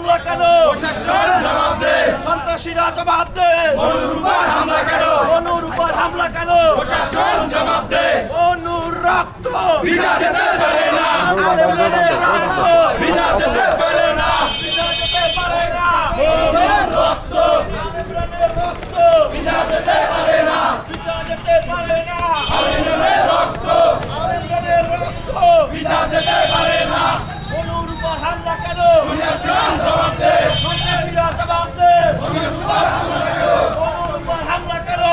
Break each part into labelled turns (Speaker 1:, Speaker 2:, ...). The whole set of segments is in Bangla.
Speaker 1: হামলা কেন?
Speaker 2: প্রশাসন জবাব দে।
Speaker 1: সন্ত্রাসীরা জবাব দে।
Speaker 2: অনুর উপর হামলা কেন?
Speaker 1: অনুর উপর হামলা কেন?
Speaker 2: প্রশাসন জবাব দে।
Speaker 1: অনুর রক্ত
Speaker 2: বিনা যেতে পারে না।
Speaker 1: আলেমদের রক্ত
Speaker 2: বিনা যেতে পারে না।
Speaker 1: বিনা যেতে পারে না।
Speaker 2: অনুর রক্ত
Speaker 1: আলেমদের রক্ত
Speaker 2: বিনা যেতে পারে না।
Speaker 1: বিনা যেতে পারে না।
Speaker 2: আলেমদের রক্ত
Speaker 1: আলেমদের রক্ত
Speaker 2: বিনা যেতে পারে না।
Speaker 1: অনুর উপর হামলা কেন?
Speaker 2: প্রশাসন জবাব দে।
Speaker 1: সন্ত্রাসীরা জবাব দে। অনুর উপর হামলা কেন?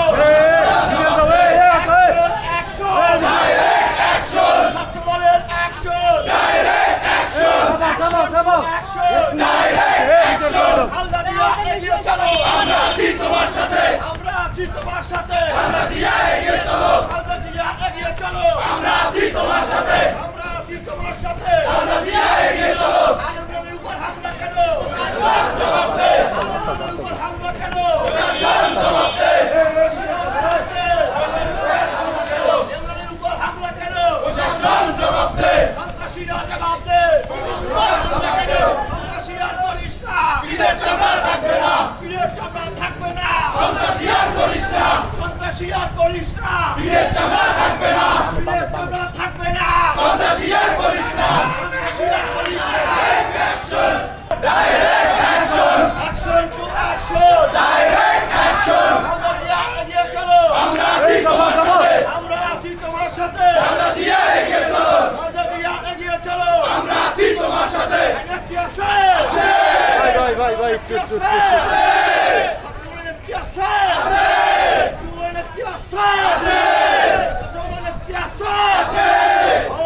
Speaker 1: Action
Speaker 2: direct action.
Speaker 1: ছাত্রদলের action
Speaker 2: direct action.
Speaker 1: Action
Speaker 2: direct action.
Speaker 1: হালদা দিয়া এগিয়ে চলো।
Speaker 2: আমরা আছি তোমার সাথে।
Speaker 1: আমরা আছি তোমার সাথে।
Speaker 2: হালদা দিয়া এগিয়ে চলো।
Speaker 1: হালদা দিয়া এগিয়ে চলো।
Speaker 2: আমরা আছি তোমার সাথে।
Speaker 1: আমরা আছি তোমার সাথে।
Speaker 2: হালদা দিয়া এগিয়ে চলো।
Speaker 1: আলেমদের উপর হামলা কেন?
Speaker 2: প্রশাসন জবাব দে।
Speaker 1: আলেমদের উপর হামলা কেন?
Speaker 2: প্রশাসন জবাব দে।
Speaker 1: জবাব দে। আলেমদের উপর হামলা কেন?
Speaker 2: প্রশাসন জবাব দে।
Speaker 1: সন্ত্রাসীরা জবাব দে। সন্ত্রাসীরা আর করিস না।
Speaker 2: পীরের চামড়া থাকবে না।
Speaker 1: পীরের চামড়া থাকবে না।
Speaker 2: সন্ত্রাসী আর করিস না।
Speaker 1: সন্ত্রাসী আর করিস না।
Speaker 2: পীরের চামড়া থাকবে না।
Speaker 1: পীরের চামড়া থাকবে না।
Speaker 2: সন্ত্রাসী আর করিস না।
Speaker 1: সন্ত্রাসী আর করিস না।
Speaker 2: Action. Direct action.
Speaker 1: Action to action.
Speaker 2: Direct action.
Speaker 1: হালদা দিয়া এগিয়ে চলো।
Speaker 2: আমরা আছি তোমার সাথে।
Speaker 1: আমরা আছি তোমার সাথে।
Speaker 2: হালদা দিয়া এগিয়ে চলো।
Speaker 1: হালদা দিয়া এগিয়ে চলো।
Speaker 2: আমরা আছি তোমার সাথে।
Speaker 1: নেত্রী আছে। নেত্রী আছে। ছাত্রলীগের নেত্রী আছে। যুবলীগের নেত্রী আছে। যুবলীগের নেত্রী আছে। ও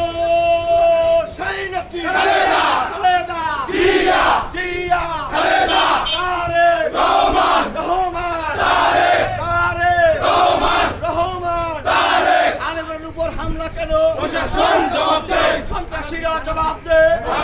Speaker 1: সেই নেত্রী
Speaker 2: খালেদা।
Speaker 1: খালেদা
Speaker 2: জিয়া।
Speaker 1: জিয়া
Speaker 2: খালেদা।
Speaker 1: তারেক
Speaker 2: রহমান।
Speaker 1: রহমান
Speaker 2: তারেক।
Speaker 1: তারেক
Speaker 2: রহমান।
Speaker 1: রহমান
Speaker 2: তারেক।
Speaker 1: আলেমের উপর হামলা কেন?
Speaker 2: প্রশাসন জবাব দে।
Speaker 1: সন্ত্রাসীরা জবাব দে।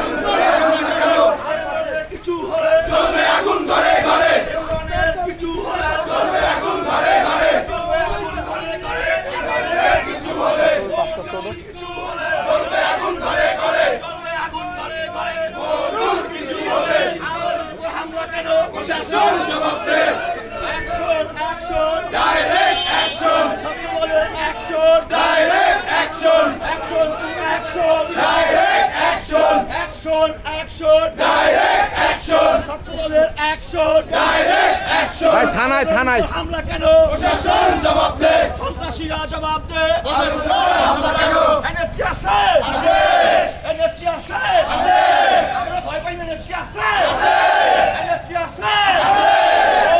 Speaker 1: আলেমের কিছু হলে
Speaker 2: চলবে আগুন ঘরে ঘরে।
Speaker 1: ইমরানের কিছু হলে
Speaker 2: চলবে আগুন ঘরে ঘরে।
Speaker 1: চলবে আগুন ঘরে ঘরে।
Speaker 2: আগুনের কিছু হলে
Speaker 1: মরুর কিছু হলে
Speaker 2: চলবে আগুন ঘরে ঘরে।
Speaker 1: চলবে আগুন ঘরে ঘরে।
Speaker 2: মরুর কিছু হলে
Speaker 1: আলেমের উপর হামলা কেন?
Speaker 2: প্রশাসন জবাব দে।
Speaker 1: Action action.
Speaker 2: Direct action.
Speaker 1: ছাত্রদলের action.
Speaker 2: Direct action.
Speaker 1: Action to action.
Speaker 2: Direct action.
Speaker 1: Action action.
Speaker 2: Direct action.
Speaker 1: ছাত্রদলের অ্যাকশন।
Speaker 2: Direct action.
Speaker 3: থানায়
Speaker 1: হামলা কেন?
Speaker 2: প্রশাসন জবাব দে।
Speaker 1: সন্ত্রাসীরা জবাব দে।
Speaker 2: হামলা কেন?
Speaker 1: নেত্রী আছে।
Speaker 2: আছে।
Speaker 1: নেত্রী আছে। আমরা ভয় পাই না। নেত্রী আছে। নেত্রী আছে। ও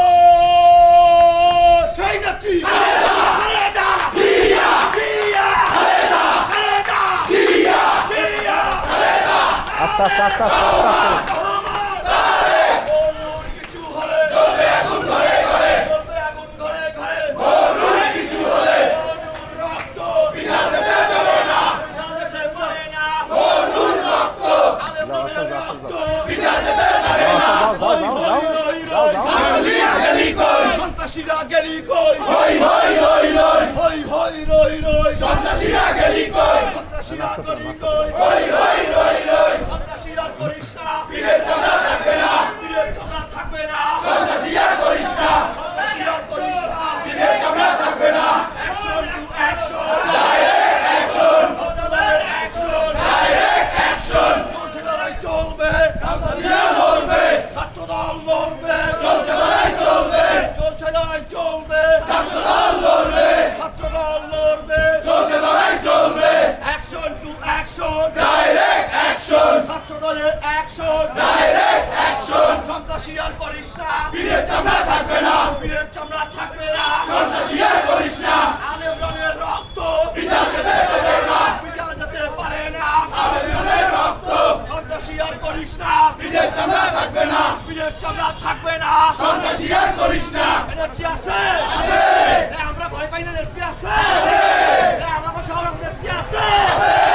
Speaker 1: সেই নেত্রী খালেদা।
Speaker 2: জিয়া।
Speaker 1: জিয়া।
Speaker 2: খালেদা।
Speaker 1: খালেদা।
Speaker 2: জিয়া।
Speaker 1: জিয়া।
Speaker 2: খালেদা।
Speaker 3: আস্তে আস্তে আস্তে আস্তে আস্তে
Speaker 1: অনুর কিছু হলে
Speaker 2: চলবে আগুন ঘরে ঘরে।
Speaker 1: চলবে আগুন ঘরে ঘরে।
Speaker 2: মরুর কিছু হলে
Speaker 1: অনুর রক্ত
Speaker 2: বিনা যেতে দেবে না।
Speaker 1: বিনা যেতে পারে না।
Speaker 2: মরুর রক্ত
Speaker 1: আলেমদের রক্ত
Speaker 2: বিনা যেতে পারে না।
Speaker 1: হই হই রই রই।
Speaker 2: আগুলি গেলি কই।
Speaker 1: সন্ত্রাসীরা গেলি কই।
Speaker 2: হই হই হই হই।
Speaker 1: হই হই রই রই।
Speaker 2: সন্ত্রাসীরা গেলি কই।
Speaker 1: সন্ত্রাসীরা গেলি কই।
Speaker 2: হই হই হই হই।
Speaker 1: সন্ত্রাসীরা করিস না।
Speaker 2: পীরের চামড়া থাকবে না।
Speaker 1: পীরের চামড়া থাকবে না।
Speaker 2: সন্ত্রাসীরা করিস না।
Speaker 1: সন্ত্রাসীরা করিস না।
Speaker 2: পীরের চামড়া থাকবে না।
Speaker 1: Action to action.
Speaker 2: Direct action.
Speaker 1: ছাত্রদলের অ্যাকশন।
Speaker 2: Direct action.
Speaker 1: চলছে লড়াই চলবে।
Speaker 2: সন্ত্রাসীরা লড়বে।
Speaker 1: ছাত্রদল লড়বে।
Speaker 2: চলছে লড়াই চলবে।
Speaker 1: চলছে লড়াই চলবে।
Speaker 2: ছাত্রদল লড়বে।
Speaker 1: ছাত্রদল লড়বে।
Speaker 2: চলছে লড়াই চলবে।
Speaker 1: Action to action.
Speaker 2: Direct action.
Speaker 1: ছাত্রদলের অ্যাকশন।
Speaker 2: Direct action.
Speaker 1: সন্ত্রাসী আর করিস না।
Speaker 2: পীরের চামড়া থাকবে না।
Speaker 1: পীরের চামড়া থাকবে না।
Speaker 2: সন্ত্রাসীরা করিস না।
Speaker 1: আলেমরানের রক্ত
Speaker 2: বিনা যেতে দেবে না।
Speaker 1: পিতা যেতে পারে না।
Speaker 2: আলেমদের রক্ত
Speaker 1: সন্ত্রাসী আর করিস না।
Speaker 2: পীরের চামড়া থাকবে না।
Speaker 1: পীরের চামড়া থাকবে না।
Speaker 2: সন্ত্রাসী আর করিস না।
Speaker 1: নেত্রী আছে।
Speaker 2: আছে।
Speaker 1: আমরা ভয় পাই না। নেত্রী আছে।
Speaker 2: আছে।
Speaker 1: আমাকে শহর নেত্রী আছে।